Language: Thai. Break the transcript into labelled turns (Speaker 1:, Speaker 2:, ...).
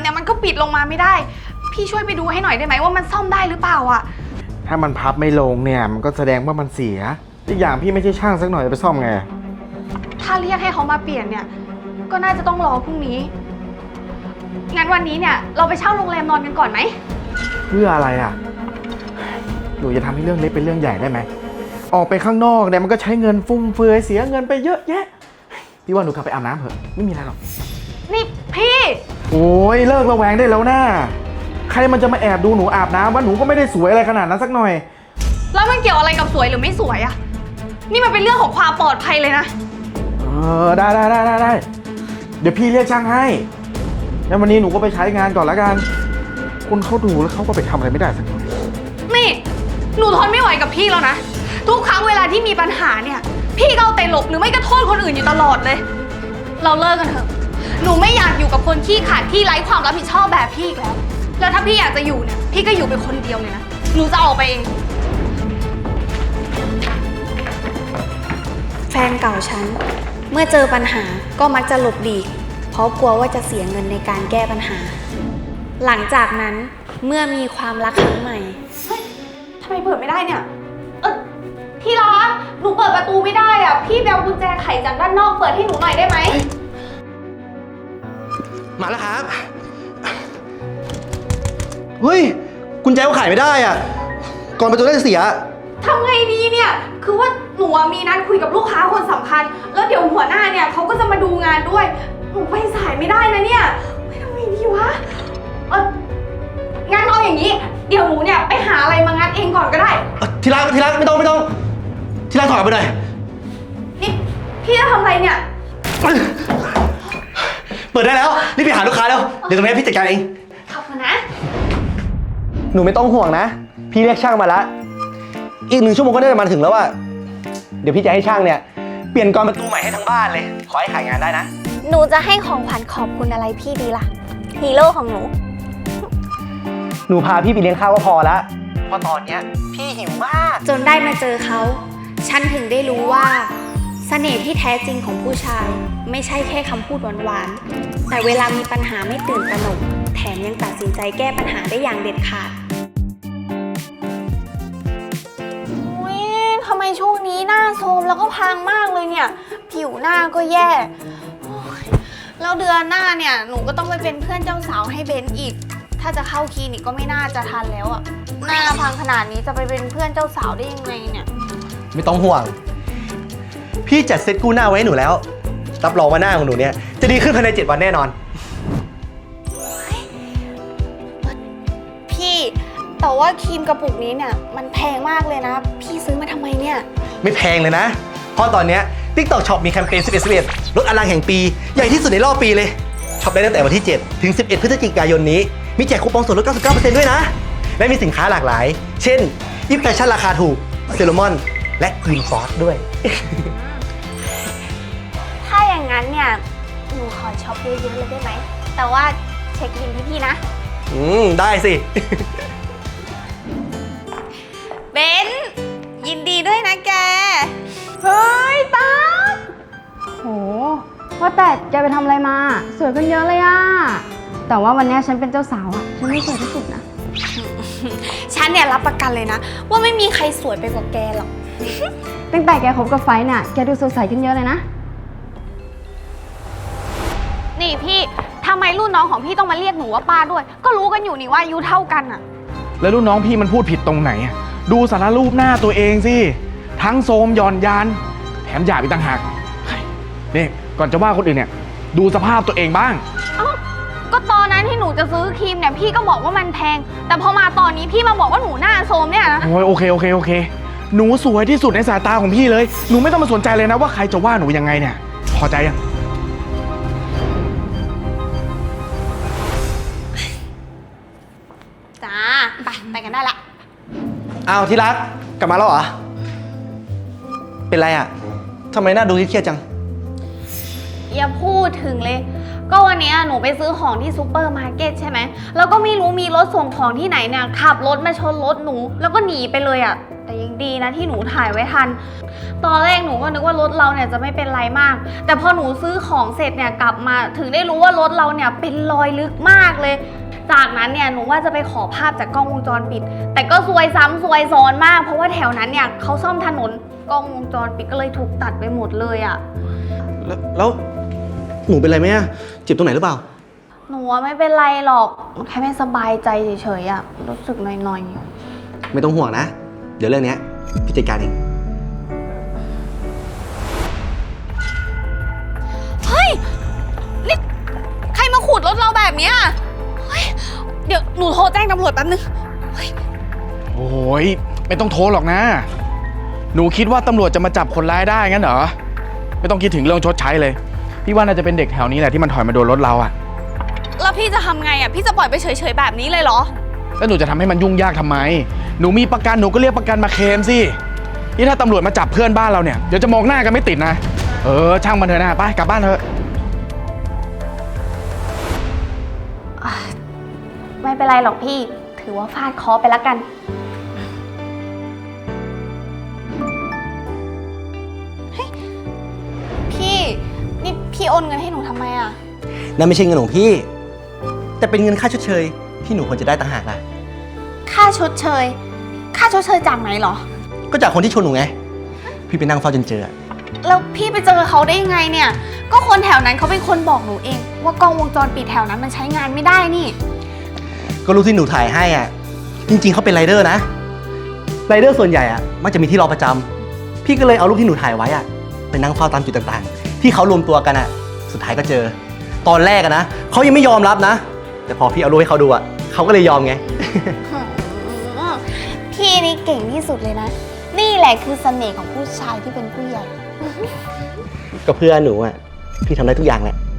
Speaker 1: เนี่ยมันก็ปิดลงมาไม่ได้พี่ช่วยไปดูให้หน่อยได้ไหมว่ามันซ่อมได้หรือเปล่าอะ
Speaker 2: ถ้ามันพับไม่ลงเนี่ยมันก็แสดงว่ามันเสียอีกอย่างพี่ไม่ใช่ช่างสักหน่อยจะไปซ่อมไง
Speaker 1: ถ้าเรียกให้เขามาเปลี่ยนเนี่ยก็น่าจะต้องรอพรุ่งนี้งั้นวันนี้เนี่ยเราไปเช่าโรงแรมนอนกันก่อนไหม
Speaker 2: เพื่ออะไรอ่ะหนูจะทำให้เรื่องเล็กเป็นเรื่องใหญ่ได้ไหมออกไปข้างนอกเนี่ยมันก็ใช้เงินฟุ่มเฟือยเสียเงินไปเยอะแยะพี่ว่าหนูกลับไปอาบน้ำเถอะไม่มีอะไรหรอก
Speaker 1: นี่พี่
Speaker 2: โอ้ยเลิกระแวงได้แล้วนะใครมันจะมาแอบดูหนูอาบน้ำว่าหนูก็ไม่ได้สวยอะไรขนาดนั้นสักหน่อย
Speaker 1: แล้วมันเกี่ยวอะไรกับสวยหรือไม่สวยอะนี่มันเป็นเรื่องของความปลอดภัยเลยนะ
Speaker 2: ได้เดี๋ยวพี่เรียกช่างให้แล้ววันนี้หนูก็ไปใช้งานก่อนละกันคนเขาดูแล้วเขาก็ไปทำอะไรไม่ได้สักหน่อย
Speaker 1: นี่หนูทนไม่ไหวกับพี่แล้วนะทุกครั้งเวลาที่มีปัญหาเนี่ยพี่ก็เอาแต่หลบหรือไม่ก็โทษคนอื่นอยู่ตลอดเลยเราเลิกกันเถอะหนูไม่อยากอยู่กับคนขี้ขลาดที่ไร้ความรับผิดชอบแบบพี่อีกแล้วถ้าพี่อยากจะอยู่เนี่ยพี่ก็อยู่เป็นคนเดียวเลยนะหนูจะออกไปเอง
Speaker 3: แฟนเก่าฉันเมื่อเจอปัญหาก็มักจะหลบหลีกเพราะกลัวว่าจะเสียเงินในการแก้ปัญหาหลังจากนั้นเมื่อมีความรักครั้งใหม่
Speaker 1: เฮ้ยทำไมเปิดไม่ได้เนี่ยที่รักหนูเปิดประตูไม่ได้อ่ะพี่ไปเอากุญแจไขจากด้านนอกเปิดให้หนูหน่อยได้ไหม
Speaker 4: มาแล้วครับเฮ้ยกุญแจก็ไขไม่ได้อ่ะก่อนประตูน่าจะเสีย
Speaker 1: ทำไงดีเนี่ยคือว่าหนูมีนัดคุยกับลูกค้าคนสำคัญแล้วเดี๋ยวหัวหน้าเนี่ยเขาก็จะมาดูงานด้วยหนูไปสายไม่ได้นะเนี่ยไม่ทำไงดีวะงั้นเอาอย่างนี้เดี๋ยวหนูเนี่ยไปหาอะไรมางัดเองก่อนก็ได้
Speaker 4: ทีรักไม่ต้องทีรักถอยไปหน่อย
Speaker 1: นี่พี่จะทำอะไรเนี่ย
Speaker 4: เปิดได้แล้วรีบไปหาลูกค้าแล้วเดี๋ยวตรงนี้พี่จัดการเอง
Speaker 1: ขอบคุณนะ
Speaker 4: หนูไม่ต้องห่วงนะพี่เรียกช่างมาแล้วอีก1 ชั่วโมงก็ได้มาถึงแล้วอะเดี๋ยวพี่จะให้ช่างเนี่ยเปลี่ยนกรประตูใหม่ให้ทั้งบ้านเลยขอให้ขายงานได้นะ
Speaker 3: หนูจะให้ของขวัญขอบคุณอะไรพี่ดีล่ะฮีโร่ของหนู
Speaker 4: หนูพาพี่ไปเลี้ยงข้าวก็พอละเพราะตอนเนี้ยพี่หิวมาก
Speaker 3: จนได้มาเจอเขาฉันถึงได้รู้ว่าเสน่ห์ที่แท้จริงของผู้ชายไม่ใช่แค่คำพูดหวานๆแต่เวลามีปัญหาไม่ตื่นตระหนกแถมยังตัดสินใจแก้ปัญหาได้อย่างเด็ดขาด
Speaker 1: ทำไมช่วงนี้หน้าโทรมแล้วก็พางมากเลยเนี่ยผิวหน้าก็แย่แล้วเดือนหน้าเนี่ยหนูก็ต้องไปเป็นเพื่อนเจ้าสาวให้เบนอีกถ้าจะเข้าคลินิกก็ไม่น่าจะทันแล้วอะหน้าพังขนาดนี้จะไปเป็นเพื่อนเจ้าสาวได้ยังไงเนี่ย
Speaker 4: ไม่ต้องห่วงพี่จัดเซ็ตกู้หน้าไว้ให้หนูแล้วรับรองว่าหน้าของหนูเนี่ยจะดีขึ้นภายใน7 วันแน่นอน
Speaker 1: พี่แต่ว่าครีมกระปุกนี้เนี่ยมันแพงมากเลยนะพี่ซื้อมาทำไมเนี่ย
Speaker 4: ไม่แพงเลยนะเพราะตอนนี้ TikTok Shop มีแคมเปญ11 ลดอลังแห่งปีใหญ่ที่สุดในรอบปีเลยช็อปได้ตั้งแต่วันที่7 ถึง 11 พฤศจิกายนนี้มีแจกคูปองส่วนลด 99% ด้วยนะและมีสินค้าหลากหลายเช่นยิปแฟชั่นราคาถูกเซเลมอนและกรีนฟอสด้วย
Speaker 1: ถ้าอย่างนั้นเนี่ยหนูขอช็อปเยอะๆเลยได้ไหมแต่ว่าเช็คบิลพี่นะ
Speaker 4: ได้สิ
Speaker 1: เบนยินดีด้วยนะแกเฮ้ยตา
Speaker 5: โหว่าแต่แกไปทำอะไรมาสวยขึ้นเยอะเลยอะแต่ว่าวันนี้ฉันเป็นเจ้าสาวอะฉันไม่สวยที่สุดนะ
Speaker 1: ฉันเนี่ยรับประกันเลยนะว่าไม่มีใครสวยไปกว่าแกหรอก
Speaker 5: ตั้งแต่แกคบกับไฟเนี่ยแกดูสดใสขึ้นเยอะเลยนะ
Speaker 1: นี่พี่ทำไมรุ่นน้องของพี่ต้องมาเรียกหนูว่าป้าด้วยก็รู้กันอยู่นี่ว่าอายุเท่ากันอะ
Speaker 2: แล้วรุ่นน้องพี่มันพูดผิดตรงไหนอะดูสารรูปหน้าตัวเองสิทั้งโทรมหย่อนยานแถมหยาบอีกต่างหากนี่ก่อนจะว่าคนอื่นเนี่ยดูสภาพตัวเองบ้าง
Speaker 1: ก็ตอนนั้นที่หนูจะซื้อครีมเนี่ยพี่ก็บอกว่ามันแพงแต่พอมาตอนนี้พี่มาบอกว่าหนูหน้าโทรมเนี่ยนะ
Speaker 2: โอเคหนูสวยที่สุดในสายตาของพี่เลยหนูไม่ต้องมาสนใจเลยนะว่าใครจะว่าหนูยังไงเนี่ยพอใจยัง
Speaker 1: จ้าไปกันได้ละ
Speaker 4: อ้าวที่รักกลับมาแล้วเหรอเป็นไรอะทำไมหน้าดูเครียดจัง
Speaker 1: อย่าพูดถึงเลยก็วันนี้หนูไปซื้อของที่ซูเปอร์มาร์เก็ตใช่ไหมแล้วก็ไม่รู้มีรถส่งของที่ไหนเนี่ยขับรถมาชนรถหนูแล้วก็หนีไปเลยอะแต่ยังดีนะที่หนูถ่ายไว้ทัน ตอนแรกหนูก็นึกว่ารถเราเนี่ยจะไม่เป็นไรมาก แต่พอหนูซื้อของเสร็จเนี่ยกลับมาถึงได้รู้ว่ารถเราเนี่ยเป็นรอยลึกมากเลย จากนั้นเนี่ยหนูว่าจะไปขอภาพจากกล้องวงจรปิด แต่ก็ซวยซ้ำซวยซ้อนมาก เพราะว่าแถวนั้นเนี่ยเขาซ่อมถนนกล้องวงจรปิดก็เลยถูกตัดไปหมดเลยอะ
Speaker 4: แล้วหนูเป็นไรไหมอะเจ็บตรงไหนหรือเปล่า
Speaker 1: หนูว่าไม่เป็นไรหรอกแค่ไม่สบายใจเฉยๆอะรู้สึกหน่อยๆ
Speaker 4: ไม่ต้องห่วงนะ เดี๋ยวเรื่องเนี้ยพี่จัดการเอง
Speaker 1: เฮ้ย นี่ใครมาขูดรถเราแบบเนี้ยเฮ้ย เดี๋ยวหนูโทรแจ้งตำรวจแป๊บนึง
Speaker 2: โอ้ยไม่ต้องโทรหรอกนะ หนูคิดว่าตำรวจจะมาจับคนร้ายได้งั้นเหรอ ไม่ต้องคิดถึงเรื่องชดใช้เลย พี่ว่าน่าจะเป็นเด็กแถวนี้แหละที่มันถอยมาโดนรถเราอะ
Speaker 1: แล้วพี่จะทำไงอ่ะ พี่จะปล่อยไปเฉยๆแบบนี้เลยเหรอ
Speaker 2: แล้วหนูจะทำให้มันยุ่งยากทำไม หนูมีประกันหนูก็เรียกประกันมาเคลมสิ นี่ถ้าตำรวจมาจับเพื่อนบ้านเราเนี่ยเดี๋ยวจะมองหน้ากันไม่ติดนะ ช่างมันเถอะนะไปกลับบ้านเถอะ
Speaker 1: ไม่เป็นไรหรอกพี่ ถือว่าฟาดเคราะห์ไปแล้วกัน เฮ้ย พี่นี่พี่โอนเงินให้หนูทำไมอ่ะ
Speaker 4: นั่นไม่ใช่เงินของพี่ แต่เป็นเงินค่าชดเชยที่หนูควรจะได้ต่างหากล่ะ
Speaker 1: ค่าชดเชย ค่าชดเชยจากไหนเหรอ
Speaker 4: ก็จากคนที่ชนหนูไง พี่ไปนั่งเฝ้าจนเจอ
Speaker 1: แล้วพี่ไปเจอเขาได้ยังไงเนี่ย ก็คนแถวนั้นเขาเป็นคนบอกหนูเอง ว่ากล้องวงจรปิดแถวนั้นมันใช้งานไม่ได้นี่
Speaker 4: ก็รู้ที่หนูถ่ายให้อ่ะ จริงๆเขาเป็นไรเดอร์นะ ไรเดอร์ส่วนใหญ่อ่ะมักจะมีที่รอประจำพี่ก็เลยเอารูปที่หนูถ่ายไว้อ่ะไปนั่งเฝ้าตามจุดต่างๆ ที่เขารวมตัวกันอ่ะ สุดท้ายก็เจอ ตอนแรกอะนะเขายังไม่ยอมรับนะ แต่พอพี่เอารูปให้เขาดูอ่ะเขาก็เลยยอมไง
Speaker 1: พี่นี่เก่งที่สุดเลยนะ นี่แหละคือเสน่ห์ของผู้ชายที่เป็นผู้ใหญ่
Speaker 4: ก็เพื่อหนูอ่ะพี่ทำได้ทุกอย่างแหละ